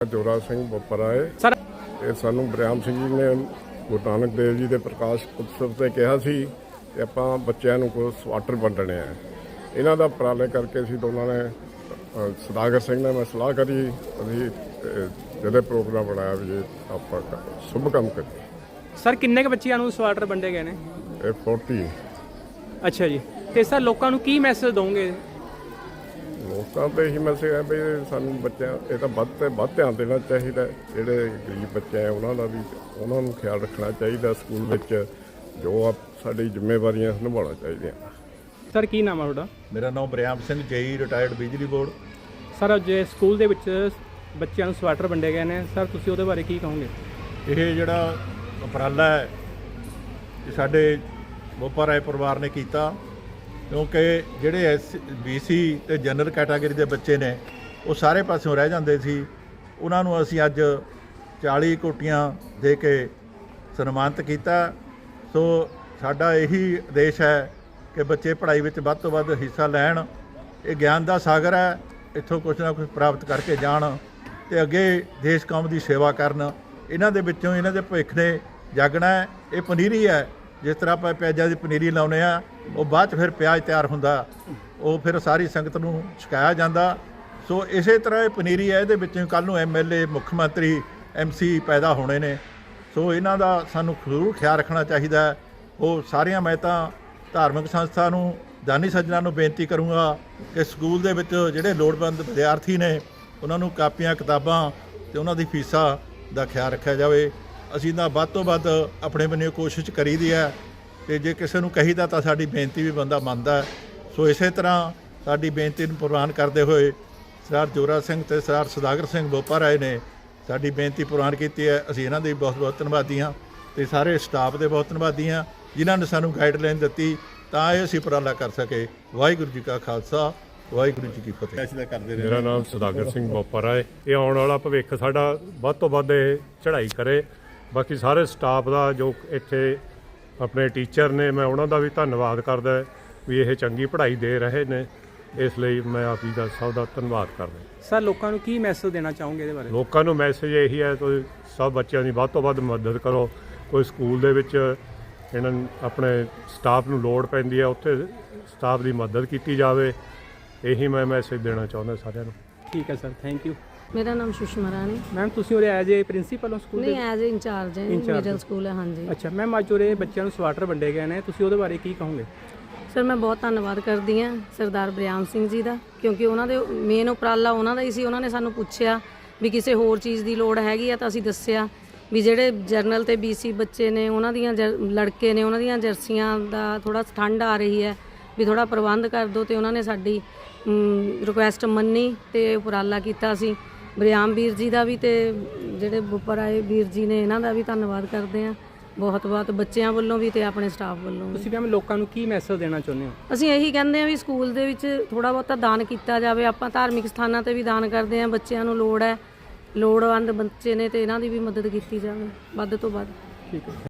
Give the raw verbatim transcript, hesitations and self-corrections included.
जोरा सिंह बोपराए सर ਇਹ ਸਾਨੂੰ ਬਰਿਆਮ ਸਿੰਘ ਜੀ ਨੇ ਗੁਰੂ ਨਾਨਕ ਦੇਵ ਜੀ ਦੇ ਪ੍ਰਕਾਸ਼ ਉਤਸਵ ਤੇ ਕਿਹਾ ਸੀ ਕਿ ਆਪਾਂ ਬੱਚਿਆਂ ਨੂੰ ਕੋਈ ਸਵਾਟਰ ਵੰਡਣੇ ਆ। ਇਹਨਾਂ ਦਾ ਉਪਰਾਲੇ ਕਰਕੇ ਅਸੀਂ ਦੋਨਾਂ ਨੇ ਅ, ਸਦਾਗਰ ਸਿੰਘ ਨੇ ਮੈਂ ਸਲਾਹ ਕਰੀ, ਅਸੀਂ ਅ, ਜਿਹੜੇ ਪ੍ਰੋਗਰਾਮ ਬਣਾਇਆ ਵੀ ਇਹ ਆਪਾਂ ਸ਼ੁਭ ਕੰਮ ਕਰੀਏ। ਸਰ ਕਿੰਨੇ ਕੁ ਬੱਚਿਆਂ ਨੂੰ ਸਵਾਟਰ ਵੰਡੇ ਗਏ ਨੇ? ਇਹ ਚਾਲੀ। ਅੱਛਾ ਜੀ, ਤੇ ਸਰ ਲੋਕਾਂ ਨੂੰ ਕੀ ਮੈਸੇਜ ਦੋਗੇ? ਲੋਕਾਂ ਤੇ ਇਹੀ ਮੈਸੇਜ ਹੈ ਵੀ ਸਾਨੂੰ ਬੱਚਿਆਂ ਇਹ ਤਾਂ ਵੱਧ ਤੇ ਵੱਧ ਧਿਆਨ ਦੇਣਾ ਚਾਹੀਦਾ। ਜਿਹੜੇ ਗਰੀਬ ਬੱਚੇ ਆ ਉਹਨਾਂ ਦਾ ਵੀ ਉਹਨਾਂ ਨੂੰ ਖਿਆਲ ਰੱਖਣਾ ਚਾਹੀਦਾ। ਸਕੂਲ ਵਿੱਚ ਜੋ ਆ ਸਾਡੀ ਜ਼ਿੰਮੇਵਾਰੀਆਂ ਨਿਭਾਉਣਾ ਚਾਹੀਦੀਆਂ। ਸਰ ਕੀ ਨਾਮ ਆ ਤੁਹਾਡਾ? ਮੇਰਾ ਨਾਮ ਬਰਿਆਮ ਸਿੰਘ ਜੇਈ ਰਿਟਾਇਰਡ ਬਿਜਲੀ ਬੋਰਡ। ਸਰ ਜੇ ਸਕੂਲ ਦੇ ਵਿੱਚ ਬੱਚਿਆਂ ਨੂੰ ਸਵਾਟਰ ਵੰਡੇ ਗਏ ਨੇ, ਸਰ ਤੁਸੀਂ ਉਹਦੇ ਬਾਰੇ ਕੀ ਕਹੋਗੇ? ਇਹ ਜਿਹੜਾ ਉਪਰਾਲਾ ਹੈ ਇਹ ਸਾਡੇ ਬੋਪਾਰਾਏ ਪਰਿਵਾਰ ਨੇ ਕੀਤਾ, ਕਿਉਂਕਿ ਜਿਹੜੇ ਐਸ ਬੀ ਸੀ ਅਤੇ ਜਨਰਲ ਕੈਟਾਗਰੀ ਦੇ ਬੱਚੇ ਨੇ ਉਹ ਸਾਰੇ ਪਾਸਿਓਂ ਰਹਿ ਜਾਂਦੇ ਸੀ। ਉਹਨਾਂ ਨੂੰ ਅਸੀਂ ਅੱਜ ਚਾਲੀ ਕੋਟੀਆਂ ਦੇ ਕੇ ਸਨਮਾਨਿਤ ਕੀਤਾ। ਸੋ ਸਾਡਾ ਇਹੀ ਉਦੇਸ਼ ਹੈ ਕਿ ਬੱਚੇ ਪੜ੍ਹਾਈ ਵਿੱਚ ਵੱਧ ਤੋਂ ਵੱਧ ਹਿੱਸਾ ਲੈਣ। ਇਹ ਗਿਆਨ ਦਾ ਸਾਗਰ ਹੈ, ਇੱਥੋਂ ਕੁਛ ਨਾ ਕੁਛ ਪ੍ਰਾਪਤ ਕਰਕੇ ਜਾਣ ਅਤੇ ਅੱਗੇ ਦੇਸ਼ ਕੌਮ ਦੀ ਸੇਵਾ ਕਰਨ। ਇਹਨਾਂ ਦੇ ਵਿੱਚੋਂ ਇਹਨਾਂ ਦੇ ਭਵਿੱਖ ਨੇ ਜਾਗਣਾ ਹੈ। ਇਹ ਪਨੀਰੀ ਹੈ, ਜਿਸ ਤਰ੍ਹਾਂ ਆਪਾਂ ਪਿਆਜ਼ਾਂ ਦੀ ਪਨੀਰੀ ਲਾਉਂਦੇ ਆ, ਉਹ ਬਾਅਦ 'ਚ ਫਿਰ ਪਿਆਜ਼ ਤਿਆਰ ਹੁੰਦਾ, ਉਹ ਫਿਰ ਸਾਰੀ ਸੰਗਤ ਨੂੰ ਛਕਾਇਆ ਜਾਂਦਾ। ਸੋ ਇਸੇ ਤਰ੍ਹਾਂ ਇਹ ਪਨੀਰੀ ਹੈ, ਇਹਦੇ ਵਿੱਚੋਂ ਕੱਲ੍ਹ ਨੂੰ ਐਮ ਐਲ ਏ, ਮੁੱਖ ਮੰਤਰੀ, ਐਮ ਸੀ ਪੈਦਾ ਹੋਣੇ ਨੇ। ਸੋ ਇਹਨਾਂ ਦਾ ਸਾਨੂੰ ਜ਼ਰੂਰ ਖਿਆਲ ਰੱਖਣਾ ਚਾਹੀਦਾ ਹੈ। ਉਹ ਸਾਰੀਆਂ ਮੈਂ ਤਾਂ ਧਾਰਮਿਕ ਸੰਸਥਾ ਨੂੰ, ਦਾਨੀ ਸੱਜਣਾ ਨੂੰ ਬੇਨਤੀ ਕਰੂੰਗਾ ਕਿ ਸਕੂਲ ਦੇ ਵਿੱਚ ਜਿਹੜੇ ਲੋੜਵੰਦ ਵਿਦਿਆਰਥੀ ਨੇ ਉਹਨਾਂ ਨੂੰ ਕਾਪੀਆਂ, ਕਿਤਾਬਾਂ ਅਤੇ ਉਹਨਾਂ ਦੀ ਫੀਸਾਂ ਦਾ ਖਿਆਲ ਰੱਖਿਆ ਜਾਵੇ। ਅਸੀਂ ਤਾਂ ਵੱਧ ਤੋਂ ਵੱਧ ਆਪਣੇ ਬੰਨਿਓ ਕੋਸ਼ਿਸ਼ ਕਰੀਦੀ ਹੈ, ਅਤੇ ਜੇ ਕਿਸੇ ਨੂੰ ਕਹੀਦਾ ਤਾਂ ਸਾਡੀ ਬੇਨਤੀ ਵੀ ਬੰਦਾ ਮੰਨਦਾ। ਸੋ ਇਸੇ ਤਰ੍ਹਾਂ ਸਾਡੀ ਬੇਨਤੀ ਨੂੰ ਪ੍ਰਵਾਨ ਕਰਦੇ ਹੋਏ ਸਰਦਾਰ ਜੋਰਾ ਸਿੰਘ ਅਤੇ ਸਰਦਾਰ ਸਦਾਗਰ ਸਿੰਘ ਬੋਪਾਰਾਏ ਨੇ ਸਾਡੀ ਬੇਨਤੀ ਪ੍ਰਵਾਨ ਕੀਤੀ ਹੈ। ਅਸੀਂ ਇਹਨਾਂ ਦੇ ਬਹੁਤ ਬਹੁਤ ਧੰਨਵਾਦੀ ਹਾਂ ਅਤੇ ਸਾਰੇ ਸਟਾਫ ਦੇ ਬਹੁਤ ਧੰਨਵਾਦੀ ਹਾਂ ਜਿਨ੍ਹਾਂ ਨੇ ਸਾਨੂੰ ਗਾਈਡਲਾਈਨ ਦਿੱਤੀ ਤਾਂ ਇਹ ਅਸੀਂ ਉਪਰਾਲਾ ਕਰ ਸਕੇ। ਵਾਹਿਗੁਰੂ ਜੀ ਕਾ ਖਾਲਸਾ, ਵਾਹਿਗੁਰੂ ਜੀ ਕੀ ਫਤਿਹ। ਮੇਰਾ ਨਾਮ ਸਦਾਗਰ ਸਿੰਘ ਬੋਪਰਾਏ। ਇਹ ਆਉਣ ਵਾਲਾ ਭਵਿੱਖ ਸਾਡਾ ਵੱਧ ਤੋਂ ਵੱਧ ਇਹ ਚੜ੍ਹਾਈ ਕਰੇ। ਬਾਕੀ ਸਾਰੇ ਸਟਾਫ ਦਾ ਜੋ ਇੱਥੇ ਆਪਣੇ ਟੀਚਰ ਨੇ, ਮੈਂ ਉਹਨਾਂ ਦਾ ਵੀ ਧੰਨਵਾਦ ਕਰਦਾ ਵੀ ਇਹ ਚੰਗੀ ਪੜ੍ਹਾਈ ਦੇ ਰਹੇ ਨੇ। ਇਸ ਲਈ ਮੈਂ ਆਪ ਜੀ ਦਾ ਸਭ ਦਾ ਧੰਨਵਾਦ ਕਰਦਾ। ਸਰ ਲੋਕਾਂ ਨੂੰ ਕੀ ਮੈਸੇਜ ਦੇਣਾ ਚਾਹੋਗੇ ਇਹਦੇ ਬਾਰੇ? ਲੋਕਾਂ ਨੂੰ ਮੈਸੇਜ ਇਹੀ ਹੈ, ਤੁਸੀਂ ਸਭ ਬੱਚਿਆਂ ਦੀ ਵੱਧ ਤੋਂ ਵੱਧ ਮਦਦ ਕਰੋ। ਕੋਈ ਸਕੂਲ ਦੇ ਵਿੱਚ ਇਹਨਾਂ ਨੂੰ ਆਪਣੇ ਸਟਾਫ ਨੂੰ ਲੋੜ ਪੈਂਦੀ ਹੈ, ਉੱਥੇ ਸਟਾਫ ਦੀ ਮਦਦ ਕੀਤੀ ਜਾਵੇ। ਇਹੀ ਮੈਂ ਮੈਸੇਜ ਦੇਣਾ ਚਾਹੁੰਦਾ ਸਾਰਿਆਂ ਨੂੰ। ਠੀਕ ਹੈ ਸਰ, ਥੈਂਕ ਯੂ। ਮੇਰਾ ਨਾਮ ਸੁਸ਼ਮਾ ਰਾਣੀ। ਮੈਮ ਤੁਸੀਂ ਉਹਦੇ ਐਜ਼ ਏ ਪ੍ਰਿੰਸੀਪਲ ਹੋ ਸਕੂਲ ਦੇ? ਨਹੀਂ, ਐਜ਼ ਏ ਇੰਚਾਰਜ ਹੈ, ਮਿਡਲ ਸਕੂਲ ਹੈ। ਹਾਂਜੀ। ਅੱਛਾ ਮੈਮ, ਅੱਜ ਉਹਦੇ ਬੱਚਿਆਂ ਨੂੰ ਸਵਾਟਰ ਵੰਡੇ ਗਏ ਨੇ, ਤੁਸੀਂ ਉਹਦੇ ਬਾਰੇ ਕੀ ਕਹੋਗੇ? ਸਰ ਮੈਂ ਬਹੁਤ ਧੰਨਵਾਦ ਕਰਦੀ ਹਾਂ ਸਰਦਾਰ ਬਰਿਆਮ ਸਿੰਘ ਜੀ ਦਾ, ਕਿਉਂਕਿ ਉਹਨਾਂ ਦੇ ਮੇਨ ਉਪਰਾਲਾ ਉਹਨਾਂ ਦਾ ਹੀ ਸੀ। ਉਹਨਾਂ ਨੇ ਸਾਨੂੰ ਪੁੱਛਿਆ ਵੀ ਕਿਸੇ ਹੋਰ ਚੀਜ਼ ਦੀ ਲੋੜ ਹੈਗੀ ਆ ਤਾਂ ਅਸੀਂ ਦੱਸਿਆ ਵੀ ਜਿਹੜੇ ਜਰਨਲ ਤੇ ਬੀ ਸੀ ਬੱਚੇ ਨੇ, ਉਹਨਾਂ ਦੀਆਂ ਲੜਕੇ ਨੇ, ਉਹਨਾਂ ਦੀਆਂ ਜਰਸੀਆਂ ਦਾ ਥੋੜ੍ਹਾ ਠੰਡ ਆ ਰਹੀ ਹੈ ਵੀ ਥੋੜ੍ਹਾ ਪ੍ਰਬੰਧ ਕਰ ਦਿਓ, ਅਤੇ ਉਹਨਾਂ ਨੇ ਸਾਡੀ ਰਿਕੁਐਸਟ ਮੰਨੀ ਅਤੇ ਉਪਰਾਲਾ ਕੀਤਾ। ਅਸੀਂ ਬਰਿਆਮ ਵੀਰ ਜੀ ਦਾ ਵੀ ਅਤੇ ਜਿਹੜੇ ਬੋਪਰਾਏ ਵੀਰ ਜੀ ਨੇ ਇਹਨਾਂ ਦਾ ਵੀ ਧੰਨਵਾਦ ਕਰਦੇ ਹਾਂ ਬਹੁਤ ਬਹੁਤ, ਬੱਚਿਆਂ ਵੱਲੋਂ ਵੀ ਅਤੇ ਆਪਣੇ ਸਟਾਫ ਵੱਲੋਂ ਵੀ। ਤੁਸੀਂ ਮੈਮ ਲੋਕਾਂ ਨੂੰ ਕੀ ਮੈਸੇਜ ਦੇਣਾ ਚਾਹੁੰਦੇ ਹੋ? ਅਸੀਂ ਇਹੀ ਕਹਿੰਦੇ ਹਾਂ ਵੀ ਸਕੂਲ ਦੇ ਵਿੱਚ ਥੋੜ੍ਹਾ ਬਹੁਤਾ ਦਾਨ ਕੀਤਾ ਜਾਵੇ। ਆਪਾਂ ਧਾਰਮਿਕ ਸਥਾਨਾਂ 'ਤੇ ਵੀ ਦਾਨ ਕਰਦੇ ਹਾਂ, ਬੱਚਿਆਂ ਨੂੰ ਲੋੜ ਹੈ, ਲੋੜਵੰਦ ਬੱਚੇ ਨੇ, ਅਤੇ ਇਹਨਾਂ ਦੀ ਵੀ ਮਦਦ ਕੀਤੀ ਜਾਵੇ ਵੱਧ ਤੋਂ ਵੱਧ। ਠੀਕ ਹੈ।